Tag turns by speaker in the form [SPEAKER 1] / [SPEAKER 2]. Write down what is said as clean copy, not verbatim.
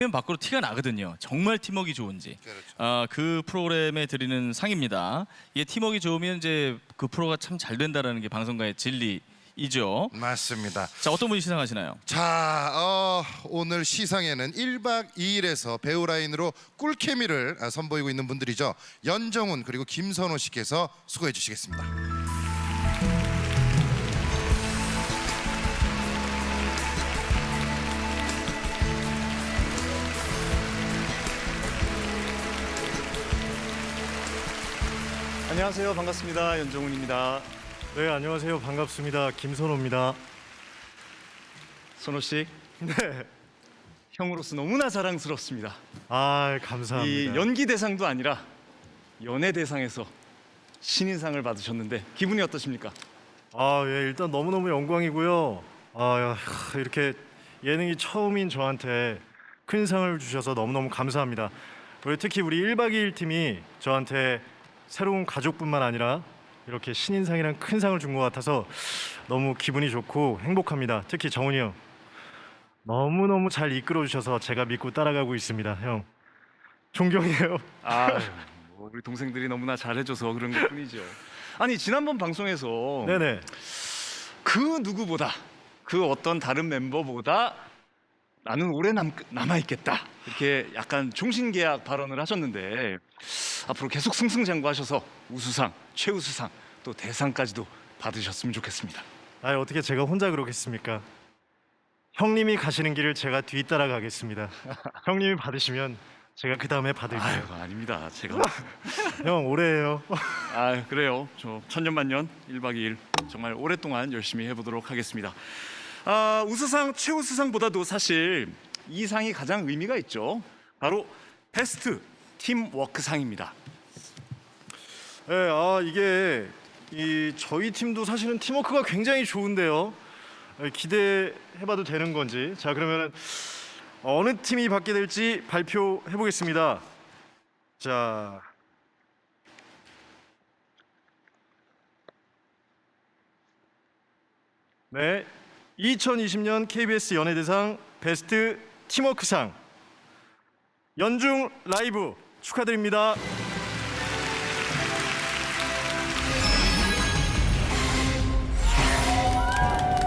[SPEAKER 1] 밖으로 티가 나거든요. 정말 팀워크 좋은지.
[SPEAKER 2] 그렇죠.
[SPEAKER 1] 그 프로그램에 드리는 상입니다. 이게 팀워크 좋으면 이제 그 프로가 참 잘 된다라는 게 방송가의 진리이죠.
[SPEAKER 2] 맞습니다.
[SPEAKER 1] 자, 어떤 분이 시상하시나요?
[SPEAKER 2] 자, 오늘 시상에는 1박 2일에서 배우 라인으로 꿀케미를 선보이고 있는 분들이죠. 연정훈 그리고 김선호 씨께서 수고해 주시겠습니다.
[SPEAKER 3] 안녕하세요. 반갑습니다. 연정훈입니다.
[SPEAKER 4] 네, 안녕하세요. 반갑습니다. 김선호입니다.
[SPEAKER 3] 선호 씨. 네. 형으로서 너무나 자랑스럽습니다.
[SPEAKER 4] 아,
[SPEAKER 3] 이
[SPEAKER 4] 감사합니다.
[SPEAKER 3] 연기 대상도 아니라 연예 대상에서 신인상을 받으셨는데 기분이 어떠십니까?
[SPEAKER 4] 예, 일단 너무너무 영광이고요. 이렇게 예능이 처음인 저한테 큰 상을 주셔서 너무너무 감사합니다. 특히 우리 1박 2일 팀이 저한테 새로운 가족뿐만 아니라 이렇게 신인상이란 큰 상을 준 것 같아서 너무 기분이 좋고 행복합니다. 특히 정훈이 형 너무너무 잘 이끌어 주셔서 제가 믿고 따라가고 있습니다. 형 존경해요.
[SPEAKER 3] 우리 동생들이 너무나 잘해줘서 그런 것뿐이죠. 아니 지난번 방송에서
[SPEAKER 4] 네네.
[SPEAKER 3] 그 누구보다 그 어떤 다른 멤버보다 나는 오래 남아있겠다 이렇게 약간 종신계약 발언을 하셨는데 앞으로 계속 승승장구하셔서 우수상, 최우수상 또 대상까지도 받으셨으면 좋겠습니다.
[SPEAKER 4] 어떻게 제가 혼자 그러겠습니까? 형님이 가시는 길을 제가 뒤따라가겠습니다. 형님이 받으시면 제가 그 다음에 받을게요.
[SPEAKER 3] 아닙니다. 제가
[SPEAKER 4] 형 올해예요.
[SPEAKER 3] 그래요. 저 천년만년 1박 2일 정말 오랫동안 열심히 해보도록 하겠습니다. 우수상, 최우수상보다도 사실 이 상이 가장 의미가 있죠. 바로 베스트 팀워크상입니다.
[SPEAKER 4] 네, 이게 저희 팀도 사실은 팀워크가 굉장히 좋은데요. 기대해봐도 되는 건지. 자, 그러면 어느 팀이 받게 될지 발표해 보겠습니다. 자, 네, 2020년 KBS 연예대상 베스트 팀워크상 연중 라이브 축하드립니다.